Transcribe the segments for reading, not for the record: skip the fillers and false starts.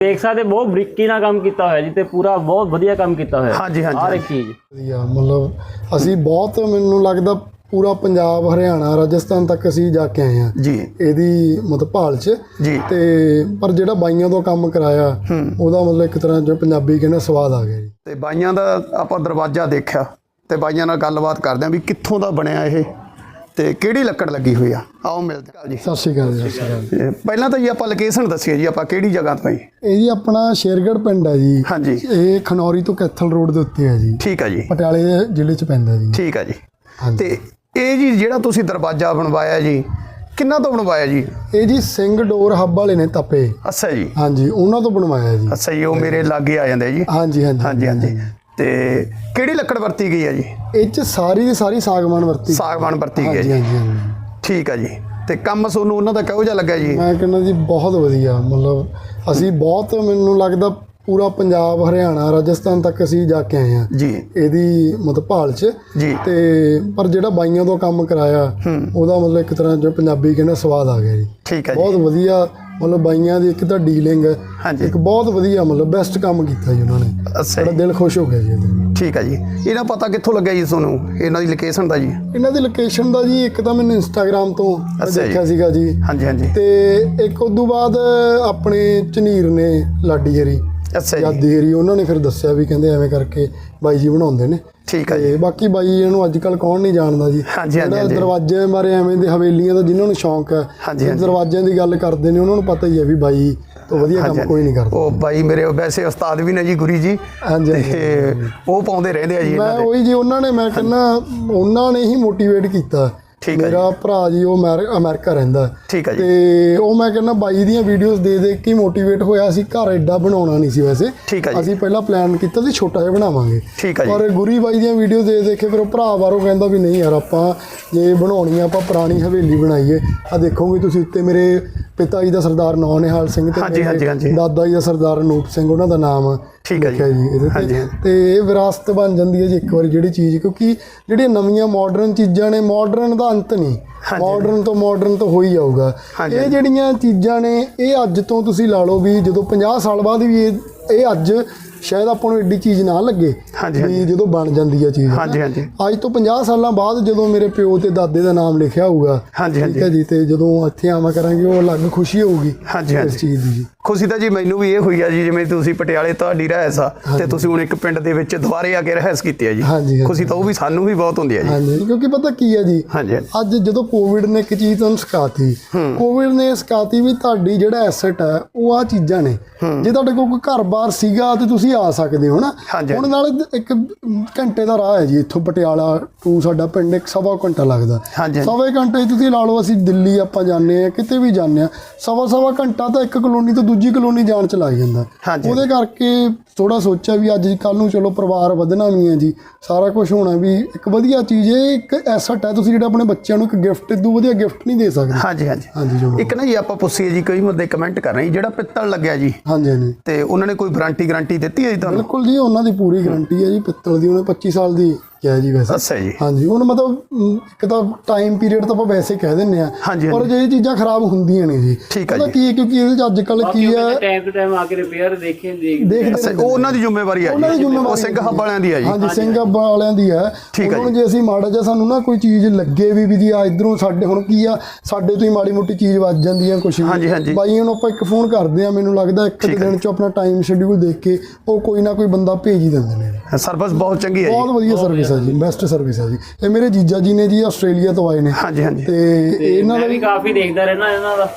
देख सकते बहुत बरीकी नाल काम किया होया जी ते पूरा बहुत वधिया काम किया होया। हाँ जी हाँ जी हर एक चीज़ ਵਧੀਆ ਮਤਲਬ ਅਸੀਂ ਬਹੁਤ ਮੈਨੂੰ ਲੱਗਦਾ ਪੂਰਾ ਪੰਜਾਬ ਹਰਿਆਣਾ ਰਾਜਸਥਾਨ ਤੱਕ ਅਸੀਂ ਜਾ ਕੇ ਆਏ ਹਾਂ ਜੀ ਇਹਦੀ ਮਤਲਬ ਭਾਲ 'ਚ ਜੀ ਤੇ ਪਰ ਜਿਹੜਾ ਬਾਈਆਂ ਤੋਂ ਕੰਮ ਕਰਾਇਆ ਉਹਦਾ ਮਤਲਬ ਇੱਕ ਤਰ੍ਹਾਂ ਜੋ ਪੰਜਾਬੀ ਕਹਿੰਦੇ ਸਵਾਦ ਆ ਗਿਆ ਜੀ। ਤੇ ਬਾਈਆਂ ਦਾ ਆਪਾਂ ਦਰਵਾਜ਼ਾ ਦੇਖਿਆ ਤੇ ਬਾਈਆਂ ਨਾਲ ਗੱਲਬਾਤ ਕਰਦੇ ਆਂ ਵੀ ਕਿੱਥੋਂ ਦਾ ਬਣਿਆ ਇਹ ਤੇ ਕਿਹੜੀ ਲੱਕੜ ਲੱਗੀ ਹੋਈ ਆ। ਆਓ ਮਿਲਦੇ ਹਾਂ ਜੀ। ਸਤਿ ਸ਼੍ਰੀ ਅਕਾਲ ਜੀ। ਸਤਿ ਸ਼੍ਰੀ ਅਕਾਲ। ਇਹ ਪਹਿਲਾਂ ਤਾਂ ਜੀ ਆਪਾਂ ਲੋਕੇਸ਼ਨ ਦੱਸੀਏ ਜੀ, ਆਪਾਂ ਕਿਹੜੀ ਜਗ੍ਹਾ ਤੋਂ ਜੀ? ਇਹ ਜੀ ਆਪਣਾ ਸ਼ੇਰਗੜ੍ਹ ਪਿੰਡ ਹੈ ਜੀ। ਹਾਂਜੀ ਇਹ ਖਨੌਰੀ ਤੋਂ ਕੈਥਲ ਰੋਡ ਦੇ ਉੱਤੇ ਹੈ ਜੀ। ਠੀਕ ਹੈ ਜੀ। ਪਟਿਆਲੇ ਜ਼ਿਲ੍ਹੇ 'ਚ ਪੈਂਦਾ ਜੀ। ਠੀਕ ਹੈ ਜੀ। ਹਾਂਜੀ। ਤੇ ਇਹ ਜੀ ਜਿਹੜਾ ਤੁਸੀਂ ਦਰਵਾਜ਼ਾ ਬਣਵਾਇਆ ਜੀ ਕਿੰਨਾ ਤੋਂ ਬਣਵਾਇਆ ਜੀ? ਇਹ ਜੀ ਸਿੰਘ ਡੋਰ ਹੱਬ ਵਾਲੇ ਨੇ ਤਪੇ। ਅੱਛਾ ਜੀ। ਹਾਂਜੀ ਉਹਨਾਂ ਤੋਂ ਬਣਵਾਇਆ ਜੀ। ਅੱਛਾ ਜੀ, ਉਹ ਮੇਰੇ ਲਾਗੇ ਆ ਜਾਂਦੇ ਜੀ। ਹਾਂਜੀ ਹਾਂਜੀ ਹਾਂਜੀ ਹਾਂਜੀ। ਤੇ ਕਿਹੜੀ ਲੱਕੜ ਵਰਤੀ ਗਈ ਹੈ ਜੀ? ਇਹ 'ਚ ਸਾਰੀ ਦੀ ਸਾਰੀ ਸਾਗਵਾਨ ਵਰਤੀ। ਸਾਗਵਾਨ ਵਰਤੀ ਗਈ ਹੈ ਹਾਂਜੀ ਜੀ। ਹਾਂਜੀ ਹਾਂਜੀ। ਠੀਕ ਹੈ ਜੀ। ਤੇ ਕੰਮ ਤੁਹਾਨੂੰ ਉਹਨਾਂ ਦਾ ਕਿਹੋ ਜਿਹਾ ਲੱਗਾ ਜੀ? ਮੈਂ ਕਹਿੰਦਾ ਜੀ ਬਹੁਤ ਵਧੀਆ ਮਤਲਬ ਅਸੀਂ ਬਹੁਤ ਮੈਨੂੰ ਲੱਗਦਾ ਪੂਰਾ ਪੰਜਾਬ ਹਰਿਆਣਾ ਰਾਜਸਥਾਨ ਤੱਕ ਅਸੀਂ ਜਾ ਕੇ ਆਏ ਹਾਂ ਜੀ ਇਹਦੀ ਮਤਲਬ ਭਾਲ 'ਚ ਜੀ। ਤੇ ਪਰ ਜਿਹੜਾ ਬਾਈਆਂ ਤੋਂ ਕੰਮ ਕਰਾਇਆ ਉਹਦਾ ਮਤਲਬ ਇੱਕ ਤਰ੍ਹਾਂ ਜੋ ਪੰਜਾਬੀ ਕਹਿੰਦੇ ਸਵਾਦ ਆ ਗਿਆ ਜੀ। ਠੀਕ ਹੈ ਜੀ। ਬਹੁਤ ਵਧੀਆ ਮਤਲਬ ਬਾਈਆਂ ਦੀ ਇੱਕ ਤਾਂ ਡੀਲਿੰਗ ਹਾਂਜੀ। ਇੱਕ ਬਹੁਤ ਵਧੀਆ ਮਤਲਬ ਬੈਸਟ ਕੰਮ ਕੀਤਾ ਜੀ ਉਹਨਾਂ ਨੇ। ਅੱਛਾ ਬੜਾ ਜੀ। ਦਿਲ ਖੁਸ਼ ਹੋ ਗਿਆ ਜੀ ਇਹਦੇ। ਠੀਕ ਹੈ ਜੀ। ਇਹਦਾ ਪਤਾ ਕਿੱਥੋਂ ਲੱਗਿਆ ਜੀ ਤੁਹਾਨੂੰ ਇਹਨਾਂ ਦੀ ਲੋਕੇਸ਼ਨ ਦਾ ਜੀ? ਇਹਨਾਂ ਦੀ ਲੋਕੇਸ਼ਨ ਦਾ ਜੀ ਇੱਕ ਤਾਂ ਮੈਨੂੰ ਇੰਸਟਾਗ੍ਰਾਮ ਤੋਂ ਅੱਛਾ ਜੀ। ਦੇਖਿਆ ਸੀਗਾ ਜੀ। ਹਾਂਜੀ ਹਾਂਜੀ। ਤੇ ਇੱਕ ਉਦੋਂ ਬਾਅਦ ਆਪਣੇ ਝਨੀਰ ਨੇ ਲਾਡੀ ਹਰੀ ਅੱਛਾ ਜੀ। ਯਾਦੀ ਹਰੀ ਉਹਨਾਂ ਨੇ ਫਿਰ ਦੱਸਿਆ ਵੀ ਕਹਿੰਦੇ ਐਵੇਂ ਕਰਕੇ ਬਾਈ ਜੀ ਬਣਾਉਂਦੇ ਨੇ। ਠੀਕ ਹੈ ਜੀ। ਤੇ ਬਾਕੀ ਬਾਈ ਇਹਨੂੰ ਅੱਜ ਕੱਲ ਕੌਣ ਨਹੀਂ ਜਾਣਦਾ ਜੀ। ਹਾਂਜੀ ਹਾਂਜੀ ਹਾਂਜੀ। ਦਰਵਾਜ਼ੇ ਮਾਰੇ ਐਵੇਂ ਦੇ ਹਵੇਲੀਆਂ ਦਾ ਜਿਨ੍ਹਾਂ ਨੂੰ ਸ਼ੌਂਕ ਹੈ ਹਾਂਜੀ ਹਾਂਜੀ। ਦਰਵਾਜ਼ਿਆਂ ਦੀ ਗੱਲ ਕਰਦੇ ਨੇ ਉਹਨਾਂ ਨੂੰ ਪਤਾ ਹੀ ਹੈ ਵੀ ਬਾਈ ਤੋਂ ਵਧੀਆ ਕੰਮ ਕੋਈ ਨਹੀਂ ਕਰਦਾ। ਉਹ ਬਾਈ ਮੇਰੇ ਵੈਸੇ ਉਸਤਾਦ ਵੀ ਨੇ ਜੀ, ਗੁਰੀ ਜੀ। ਹਾਂਜੀ ਤੇ ਉਹ ਪਾਉਂਦੇ ਰਹਿੰਦੇ ਆ ਜੀ ਮੈਂ ਇਹਨਾਂ ਦੇ। ਉਹੀ ਜੀ ਉਹਨਾਂ ਨੇ ਮੈਂ ਕਹਿੰਦਾ ਉਹਨਾਂ ਨੇ ਹੀ ਮੋਟੀਵੇਟ ਕੀਤਾ। ਠੀਕ ਹੈ ਜੀ। ਮੇਰਾ ਭਰਾ ਜੀ ਉਹ ਅਮਰੀਕਾ ਰਹਿੰਦਾ ਠੀਕ ਹੈ ਜੀ। ਤੇ ਉਹ ਮੈਂ ਕਹਿੰਦਾ ਬਾਈ ਦੀਆਂ ਵੀਡੀਓਜ਼ ਦੇ ਕੇ ਮੋਟੀਵੇਟ ਹੋਇਆ। ਅਸੀਂ ਘਰ ਐਡਾ ਬਣਾਉਣਾ ਨਹੀਂ ਸੀ ਵੈਸੇ। ਠੀਕ ਹੈ ਜੀ। ਅਸੀਂ ਪਹਿਲਾਂ ਪਲਾਨ ਕੀਤਾ ਸੀ ਛੋਟਾ ਜਿਹਾ ਬਣਾਵਾਂਗੇ। ਠੀਕ ਹੈ ਜੀ। ਪਰ ਗੁਰੀ ਬਾਈ ਦੀਆਂ ਵੀਡੀਓ ਦੇ ਕੇ ਫਿਰ ਉਹ ਭਰਾ ਬਾਹਰੋਂ ਕਹਿੰਦਾ ਵੀ ਨਹੀਂ ਯਾਰ ਆਪਾਂ ਜੇ ਬਣਾਉਣੀ ਆ ਆਪਾਂ ਪੁਰਾਣੀ ਹਵੇਲੀ ਬਣਾਈਏ। ਆ ਦੇਖੋਗੇ ਤੁਸੀਂ ਉੱਤੇ ਮੇਰੇ ਪਿਤਾ ਜੀ ਦਾ ਸਰਦਾਰ ਨੌ ਨਿਹਾਲ ਸਿੰਘ ਤੇ ਹਾਂਜੀ ਹਾਂਜੀ ਹਾਂਜੀ। ਦਾਦਾ ਜੀ ਦਾ ਸਰਦਾਰ ਅਨੂਪ ਸਿੰਘ ਉਹਨਾਂ ਦਾ ਨਾਮ ਠੀਕ ਹੈ ਲਿਖਿਆ ਜੀ ਇਹਦੇ ਹਾਂਜੀ ਤੇ। ਹਾਂਜੀ। ਤੇ ਇਹ ਵਿਰਾਸਤ ਬਣ ਜਾਂਦੀ ਹੈ ਜੀ ਇੱਕ ਵਾਰੀ ਜਿਹੜੀ ਚੀਜ਼, ਕਿਉਂਕਿ ਜਿਹੜੀਆਂ ਨਵੀਆਂ ਮਾਡਰਨ ਚੀਜ਼ਾਂ ਨੇ ਮਾਡਰਨ ਦਾ ਅੰਤ ਨਹੀਂ। ਮਾਡਰਨ ਤੋਂ ਹੋ ਹੀ ਜਾਊਗਾ। ਇਹ ਜਿਹੜੀਆਂ ਚੀਜ਼ਾਂ ਨੇ ਇਹ ਅੱਜ ਤੋਂ ਤੁਸੀਂ ਲਾ ਲਓ ਵੀ ਜਦੋਂ 50 ਸਾਲ ਬਾਅਦ ਵੀ ਇਹ ਅੱਜ ਸ਼ਾਇਦ ਆਪਾਂ ਨੂੰ ਐਡੀ ਚੀਜ਼ ਨਾ ਲੱਗੇ ਵੀ ਜਦੋਂ ਬਣ ਜਾਂਦੀ ਹੈ ਚੀਜ਼। ਹਾਂਜੀ ਹਾਂਜੀ। ਅੱਜ ਤੋਂ 50 ਸਾਲਾਂ ਬਾਅਦ ਜਦੋਂ ਮੇਰੇ ਪਿਓ ਤੇ ਦਾਦੇ ਦਾ ਨਾਮ ਲਿਖਿਆ ਹੋਊਗਾ ਹਾਂਜੀ ਠੀਕ ਹੈ ਜੀ, ਤੇ ਜਦੋਂ ਇੱਥੇ ਆਵਾਂ ਕਰਾਂਗੇ ਉਹ ਅਲੱਗ ਖੁਸ਼ੀ ਹੋਊਗੀ ਹਾਂਜੀ ਇਸ ਹਾਂਜੀ। ਚੀਜ਼ ਦੀ ਜੀ। ਖੁਸ਼ੀ ਤਾਂ ਜੀ ਮੈਨੂੰ ਵੀ ਇਹ ਹੋਈ ਆ ਜੀ, ਜਿਵੇਂ ਤੁਸੀਂ ਪਟਿਆਲੇ ਤੁਹਾਡੀ ਰਹਿਸ ਆ ਤੇ ਤੁਸੀਂ ਹੁਣ ਇੱਕ ਪਿੰਡ ਦੇ ਵਿੱਚ ਦੁਬਾਰੇ ਆ ਕੇ ਰਹਿਸ ਕੀਤੀ ਹੈ ਜੀ। ਹਾਂਜੀ ਖੁਸ਼ੀ ਤਾਂ ਉਹ ਵੀ ਸਾਨੂੰ ਵੀ ਬਹੁਤ ਹੁੰਦੀ ਹੈ ਜੀ। ਹਾਂਜੀ ਕਿਉਂਕਿ ਪਤਾ ਕੀ ਹੈ ਜੀ, ਹਾਂਜੀ ਅੱਜ ਜਦੋਂ ਕੋਵਿਡ ਨੇ ਇੱਕ ਚੀਜ਼ ਤੁਹਾਨੂੰ ਸਿਖਾਤੀ, ਕੋਵਿਡ ਨੇ ਸਿਖਾਤੀ ਵੀ ਤੁਹਾਡੀ ਜਿਹੜਾ ਐਸੈਟ ਹੈ ਉਹ ਆ ਚੀਜ਼ਾਂ ਨੇ। ਜੇ ਤੁਹਾਡੇ ਕੋਲ ਕੋਈ ਘਰ-ਬਾਰ ਸੀਗਾ ਤੇ ਤੁਸੀਂ ਆ ਸਕਦੇ ਹੋ ਨਾ। ਹੁਣ ਨਾਲ ਇੱਕ ਘੰਟੇ ਦਾ ਰਾਹ ਹੈ ਜੀ ਇੱਥੋਂ ਪਟਿਆਲਾ ਟੂ ਸਾਡਾ ਪਿੰਡ, ਇੱਕ ਸਵਾ ਘੰਟਾ ਲੱਗਦਾ। ਸਵਾ ਘੰਟੇ ਤੁਸੀਂ ਲਾ ਲਓ ਅਸੀਂ ਦਿੱਲੀ ਆਪਾਂ ਜਾਂਦੇ ਹਾਂ ਕਿਤੇ ਵੀ ਜਾਂਦੇ ਹਾਂ, ਸਵਾ ਘੰਟਾ ਤਾਂ ਇੱਕ ਕਲੋਨੀ ਤੋਂ ਦੂਜੀ ਕਲੋਨੀ ਜਾਣ ਚ ਲੱਗ ਜਾਂਦਾ। ਉਹਦੇ ਕਰਕੇ ਥੋੜਾ ਸੋਚਿਆ ਵੀ ਅੱਜ ਕੱਲ੍ਹ ਨੂੰ ਚਲੋ ਪਰਿਵਾਰ ਵਧਣਾ ਵੀ ਹੈ ਜੀ, ਸਾਰਾ ਕੁਝ ਹੋਣਾ ਵੀ ਇੱਕ ਵਧੀਆ ਚੀਜ਼ ਹੈ, ਇੱਕ ਐਸੈਟ ਹੈ। ਤੁਸੀਂ ਜਿਹੜਾ ਆਪਣੇ ਬੱਚਿਆਂ ਨੂੰ ਇੱਕ ਗਿਫਟ ਇਦੋਂ ਵਧੀਆ ਗਿਫਟ ਨਹੀਂ ਦੇ ਸਕਦੇ। ਹਾਂਜੀ ਹਾਂਜੀ ਹਾਂਜੀ ਚਲੋ। ਇੱਕ ਨਾ ਜੀ ਆਪਾਂ ਪੁੱਛੀਏ ਜੀ, ਕਈ ਬੰਦੇ ਕਮੈਂਟ ਕਰ ਰਹੇ ਜਿਹੜਾ ਪਿੱਤਲ ਲੱਗਿਆ ਜੀ, ਹਾਂਜੀ ਹਾਂਜੀ, ਤੇ ਉਹਨਾਂ ਨੇ ਕੋਈ ਗਾਰੰਟੀ ਦਿੱਤੀ ਹੈ ਜੀ ਤੁਹਾਨੂੰ? ਬਿਲਕੁਲ ਜੀ, ਉਹਨਾਂ ਦੀ ਪੂਰੀ ਗਾਰੰਟੀ ਹੈ ਜੀ। ਪਿੱਤਲ ਦੀ ਉਹਨੇ 25 ਸਾਲ ਦੀ ਕਿਹਾ ਜੀ ਵੈਸੇ। ਅੱਛਾ ਜੀ। ਹਾਂਜੀ ਹੁਣ ਮਤਲਬ ਇੱਕ ਤਾਂ ਟਾਈਮ ਪੀਰੀਅਡ ਤਾਂ ਆਪਾਂ ਵੈਸੇ ਕਹਿ ਦਿੰਦੇ ਆ, ਪਰ ਜੇ ਇਹ ਚੀਜ਼ਾਂ ਖਰਾਬ ਹੁੰਦੀਆਂ ਨੇ ਜੀ। ਠੀਕ ਹੈ ਪਤਾ ਕੀ ਹੈ, ਕਿਉਂਕਿ ਇਹਦੇ ਚ ਅੱਜ ਕੱਲ੍ਹ ਕੀ ਹੈ ਟਾਈਮ ਟੂ ਟਾਈਮ ਆ ਕੇ ਰਿਪੇਅਰ ਦੇਖਦੇ ਉਹ ਉਹਨਾਂ ਦੀ ਜ਼ਿੰਮੇਵਾਰੀ ਹੈ ਜੀ, ਉਹ ਸਿੰਘ ਹੱਬ ਵਾਲਿਆਂ ਦੀ ਹੈ ਜੀ। ਹਾਂਜੀ ਸਿੰਘ ਹੱਬ ਵਾਲਿਆਂ ਦੀ ਹੈ। ਉਹਨਾਂ ਨੂੰ ਜੇ ਅਸੀਂ ਮਾੜਾ ਜਿਹਾ ਸਾਨੂੰ ਨਾ ਕੋਈ ਚੀਜ਼ ਲੱਗੇ ਵੀ ਜੀ ਆ ਇਧਰੋਂ ਸਾਡੇ ਹੁਣ ਕੀ ਆ ਸਾਡੇ ਤੋਂ ਹੀ ਮਾੜੀ ਮੋਟੀ ਚੀਜ਼ ਵੱਜ ਜਾਂਦੀ ਆ ਕੁਛ ਵੀ, ਬਾਈਆਂ ਨੂੰ ਆਪਾਂ ਇੱਕ ਫੋਨ ਕਰਦੇ ਆ, ਮੈਨੂੰ ਲੱਗਦਾ ਇੱਕ ਦਿਨ ਚ ਆਪਣਾ ਟਾਈਮ ਸ਼ੈਡਿਊਲ ਦੇਖ ਕੇ ਉਹ ਕੋਈ ਨਾ ਕੋਈ ਬੰਦਾ ਭੇਜ ਹੀ ਦਿੰਦੇ ਨੇ। ਸਰਵਿਸ ਬਹੁਤ ਚੰਗੀ ਹੈ ਜੀ, ਬਹੁਤ ਵਧੀਆ ਸਰਵਿਸ ਹੈ ਜੀ, ਬੈਸਟ ਸਰਵਿਸ ਹੈ ਜੀ। ਇਹ ਮੇਰੇ ਜੀਜਾ ਜੀ ਨੇ ਜੀ ਆਸਟ੍ਰੇਲੀਆ ਤੋਂ ਆਏ ਨੇ। ਹਾਂਜੀ ਹਾਂਜੀ। ਤੇ ਇਹਨਾਂ ਦਾ ਵੀ ਕਾਫੀ ਦੇਖਦਾ ਰਹਿਣਾ ਇਹਨਾਂ ਦਾ।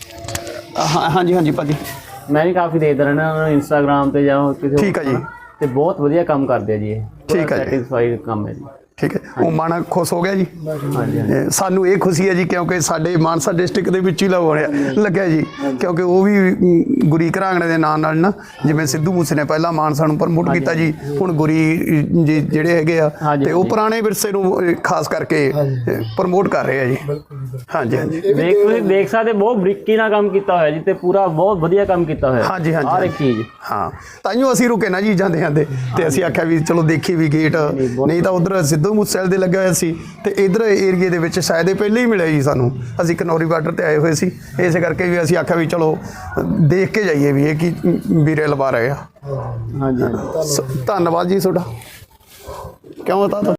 ਹਾਂਜੀ ਹਾਂਜੀ ਭਾਜੀ, ਮੈਂ ਵੀ ਕਾਫੀ ਦੇਖਦਾ ਰਹਿਣਾ ਇਹਨਾਂ ਨੂੰ ਇੰਸਟਾਗ੍ਰਾਮ ਤੇ ਜਾਂ ਕਿਸੇ। ਠੀਕ ਹੈ ਜੀ। ਤੇ ਬਹੁਤ ਵਧੀਆ ਕੰਮ ਕਰਦੇ ਆ ਜੀ ਇਹ। ਠੀਕ ਹੈ ਜੀ, ਸੈਟੀਸਫਾਈਡ ਕੰਮ ਹੈ ਜੀ। ਠੀਕ ਹੈ। ਉਹ ਮਨ ਖੁਸ਼ ਹੋ ਗਿਆ ਜੀ। ਸਾਨੂੰ ਇਹ ਖੁਸ਼ੀ ਹੈ ਜੀ ਕਿਉਂਕਿ ਸਾਡੇ ਮਾਨਸਾ ਡਿਸਟ੍ਰਿਕਟ ਦੇ ਵਿੱਚ ਹੀ ਲੱਗਿਆ ਜੀ, ਕਿਉਂਕਿ ਉਹ ਵੀ ਗੁਰੀ ਘਰਾਂਗੜੇ ਦੇ ਨਾਂ ਨਾਲ ਨਾ, ਜਿਵੇਂ ਸਿੱਧੂ ਮੂਸੇ ਨੇ ਪਹਿਲਾਂ ਮਾਨਸਾ ਨੂੰ ਪ੍ਰਮੋਟ ਕੀਤਾ ਜੀ, ਹੁਣ ਗੁਰੀ ਜੀ ਜਿਹੜੇ ਹੈਗੇ ਆ ਤੇ ਉਹ ਪੁਰਾਣੇ ਵਿਰਸੇ ਨੂੰ ਖਾਸ ਕਰਕੇ ਪ੍ਰਮੋਟ ਕਰ ਰਹੇ ਆ ਜੀ। ਹਾਂਜੀ ਹਾਂਜੀ। ਦੇਖ ਸਕਦੇ ਬਹੁਤ ਬਰੀਕੀ ਨਾਲ ਕੰਮ ਕੀਤਾ ਹੋਇਆ ਜੀ, ਤੇ ਪੂਰਾ ਬਹੁਤ ਵਧੀਆ ਕੰਮ ਕੀਤਾ ਹੋਇਆ। ਹਾਂਜੀ ਹਾਂਜੀ, ਹਰ ਇੱਕ ਚੀਜ਼। ਹਾਂ ਤਾਈਓ ਅਸੀਂ ਰੁਕੇ ਨਾ ਜੀ ਜਾਂਦੇ ਤੇ ਅਸੀਂ ਆਖਿਆ ਵੀ ਚਲੋ ਦੇਖੀ ਵੀ ਗੇਟ, ਨਹੀਂ ਤਾਂ ਉਧਰ ਸਿੱਧੂ ਸਿੱਧੂ ਮੂਸੇਵਾਲੇ ਦੇ ਲੱਗਿਆ ਹੋਇਆ ਸੀ ਤੇ ਇਧਰ ਏਰੀਏ ਦੇ ਵਿੱਚ ਸ਼ਾਇਦ ਇਹ ਪਹਿਲੇ ਹੀ ਮਿਲਿਆ ਜੀ ਸਾਨੂੰ। ਅਸੀਂ ਕਨੌਰੀ ਬਾਰਡਰ ਤੇ ਆਏ ਹੋਏ ਸੀ, ਇਸੇ ਕਰਕੇ ਵੀ ਅਸੀਂ ਆਖਿਆ ਵੀ ਚਲੋ ਦੇਖ ਕੇ ਜਾਈਏ ਵੀ ਇਹ ਕੀ ਵੀਰੇ ਲਵਾ ਰਹੇ ਆ। ਹਾਂਜੀ ਧੰਨਵਾਦ ਜੀ ਤੁਹਾਡਾ। ਕਿਉਂ ਤਾਂ